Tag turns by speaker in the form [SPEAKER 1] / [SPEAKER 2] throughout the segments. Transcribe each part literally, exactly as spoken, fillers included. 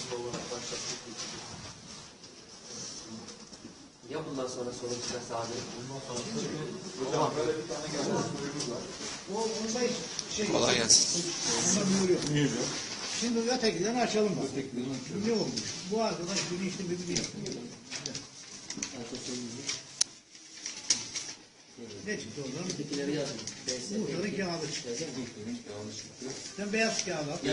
[SPEAKER 1] Ya bundan sonra sorun çıkarsa abi? Bundan sonra
[SPEAKER 2] hocam böyle bir tane gelmiş sorumuz var.
[SPEAKER 3] O onda şey.
[SPEAKER 4] Kolay gelsin.
[SPEAKER 3] Onda mühür yok. Şimdi ötekilerini açalım bak. Ne olmuş? Bu arkadaş bilinçli bir bir yapıyor. Ne çıktı oradan?
[SPEAKER 1] Ötekileri yazın.
[SPEAKER 3] Muhtarın kağıdı çıktı. Sen beyaz kağıt al.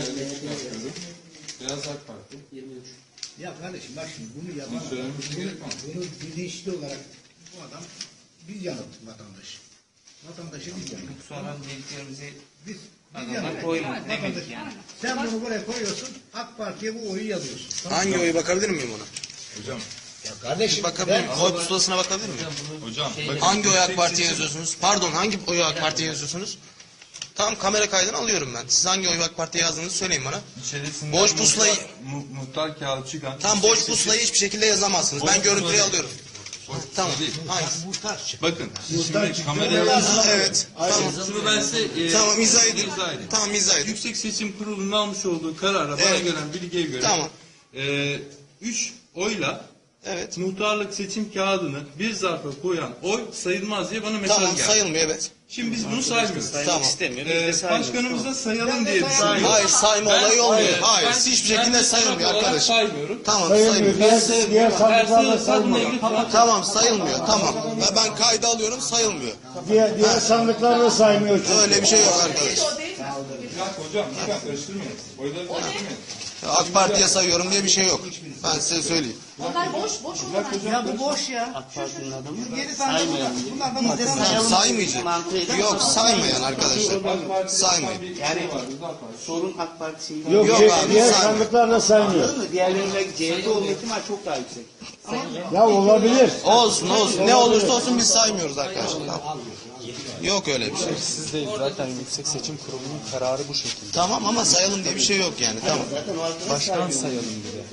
[SPEAKER 2] Beyaz AK Parti.
[SPEAKER 1] yirmi üç.
[SPEAKER 3] Ya kardeşim bak şimdi bunu yapan
[SPEAKER 2] Bunu söylememiz
[SPEAKER 3] bunu,
[SPEAKER 2] gerekmez.
[SPEAKER 3] bunu bilinçli olarak bu adam biz yanılttık vatandaşı. Vatandaşı biz yanılttık.
[SPEAKER 5] Sonra dediklerimizi
[SPEAKER 3] Biz, biz
[SPEAKER 5] adamlar
[SPEAKER 3] yanılttık.
[SPEAKER 5] koymadı demek
[SPEAKER 3] Vatandaş-
[SPEAKER 5] yani.
[SPEAKER 3] Sen bunu buraya koyuyorsun, AK Parti'ye bu oyu yazıyorsun. Tamam.
[SPEAKER 4] Hangi oyu bakabilir miyim ona?
[SPEAKER 2] Hocam.
[SPEAKER 3] Ya kardeşim
[SPEAKER 4] Bakabilir miyim? Oy pusulasına bakabilir miyim?
[SPEAKER 2] Hocam.
[SPEAKER 1] Şey-
[SPEAKER 2] bakın,
[SPEAKER 4] Hangi oyu AK
[SPEAKER 2] tek
[SPEAKER 4] Parti'ye
[SPEAKER 2] seçim-
[SPEAKER 4] yazıyorsunuz? Pardon, hangi oyu AK Parti'ye yazıyorsunuz? Tamam, kamera kaydını alıyorum ben. Siz hangi oyu AK Parti'ye yazdığınızı söyleyin bana.
[SPEAKER 2] İçerisinden
[SPEAKER 4] Boş pusulayı-
[SPEAKER 2] muhtar, mu, muhtar kağıdı çıkan.
[SPEAKER 4] Tam boş pusulayı hiçbir şekilde yazamazsınız.
[SPEAKER 2] Boş
[SPEAKER 4] Ben görüntüyü
[SPEAKER 2] pusula
[SPEAKER 4] alıyorum.
[SPEAKER 2] Boş
[SPEAKER 4] Tamam.
[SPEAKER 2] pusula değil.
[SPEAKER 4] Hangisi?
[SPEAKER 3] muhtar çık.
[SPEAKER 2] Bakın. Siz
[SPEAKER 3] Muhtar
[SPEAKER 2] şimdi
[SPEAKER 3] çıktı.
[SPEAKER 2] kameraya
[SPEAKER 4] Ha, evet. Tamam.
[SPEAKER 2] Şunu ben size e,
[SPEAKER 4] Tamam, izah edin.
[SPEAKER 2] izah edeyim.
[SPEAKER 4] Tamam, izah edin.
[SPEAKER 2] Yüksek Seçim Kurulu'nun almış olduğu karara bana
[SPEAKER 4] Evet.
[SPEAKER 2] gelen bilgiye göre
[SPEAKER 4] Tamam.
[SPEAKER 2] e, üç oyla
[SPEAKER 4] Evet.
[SPEAKER 2] muhtarlık seçim kağıdını bir zarfa koyan oy sayılmaz diye bana mesaj
[SPEAKER 4] Tamam,
[SPEAKER 2] geldi.
[SPEAKER 4] sayılmıyor, evet.
[SPEAKER 2] Şimdi biz bunu saymıyoruz.
[SPEAKER 4] Tamam.
[SPEAKER 2] Ee, başkanımız da sayalım diye düşünüyor.
[SPEAKER 4] Hayır, sayma
[SPEAKER 2] Ben-
[SPEAKER 4] olayı olmuyor.
[SPEAKER 2] Ben-
[SPEAKER 4] Hayır,
[SPEAKER 2] ben-
[SPEAKER 4] hiçbir
[SPEAKER 2] ben
[SPEAKER 4] şekilde
[SPEAKER 2] de
[SPEAKER 4] sayılmıyor
[SPEAKER 2] taraf olarak
[SPEAKER 4] arkadaş.
[SPEAKER 2] saymıyorum.
[SPEAKER 4] Tamam,
[SPEAKER 6] Sayılmıyor.
[SPEAKER 4] sayılmıyor.
[SPEAKER 6] Diğer, diğer sandıklarla sayılmıyor.
[SPEAKER 4] Tamam, sayılmıyor. Tamam. Ve ben kayda alıyorum, sayılmıyor.
[SPEAKER 6] Diğer, diğer sandıklarla saymıyor çünkü.
[SPEAKER 4] Öyle bir şey yok arkadaş.
[SPEAKER 2] Bir dakika hocam, bir dakika karıştırmayın. Oyları karıştırmayın.
[SPEAKER 4] AK Parti'ye sayıyorum diye bir şey yok. Ben size söyleyeyim.
[SPEAKER 7] Onlar boş boş onlar.
[SPEAKER 3] Ya bu boş ya.
[SPEAKER 1] AK Parti'nin adamı.
[SPEAKER 3] Yedi tane bunlar. Bunlar da muhtarın
[SPEAKER 4] Tamam, saymayacak. Yok, saymayan arkadaşlar. Saymayın.
[SPEAKER 5] Yani sorun AK Parti şeyi
[SPEAKER 6] Yok,
[SPEAKER 4] Yok
[SPEAKER 6] şey-
[SPEAKER 4] abi,
[SPEAKER 6] diğer
[SPEAKER 4] saymıyor.
[SPEAKER 6] sandıklarla saymıyor.
[SPEAKER 5] Anladın mı? Diğerlerine C H P olma ihtimali çok daha yüksek.
[SPEAKER 6] Ya olabilir.
[SPEAKER 4] Olsun olsun. Ne olursa olsun biz saymıyoruz arkadaşlar. Tamam. Yok öyle bir şey.
[SPEAKER 8] Siz değil, zaten Yüksek Seçim Kurulu'nun kararı bu şekilde.
[SPEAKER 4] Tamam ama sayalım diye bir şey yok yani. Tamam.
[SPEAKER 8] Başkan sayalım dedi.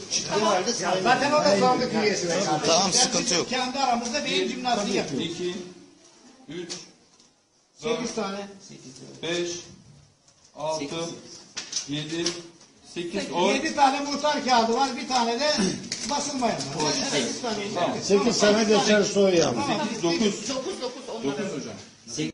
[SPEAKER 3] Zaten o da sandık üyesi.
[SPEAKER 4] Tamam, sıkıntı yok.
[SPEAKER 3] Kendi aramızda beyin jimnastiği yapıyor.
[SPEAKER 2] iki, üç,
[SPEAKER 3] Sekiz tane.
[SPEAKER 2] beş, altı, yedi, sekiz oy.
[SPEAKER 3] Yedi tane muhtar kağıdı var. Bir tane de basılmayan var. Yani sekiz tane.
[SPEAKER 6] Sekiz sene geçer soy yani.
[SPEAKER 2] sekiz, dokuz.
[SPEAKER 7] Dokuz dokuz onlar.
[SPEAKER 2] dokuz hocam.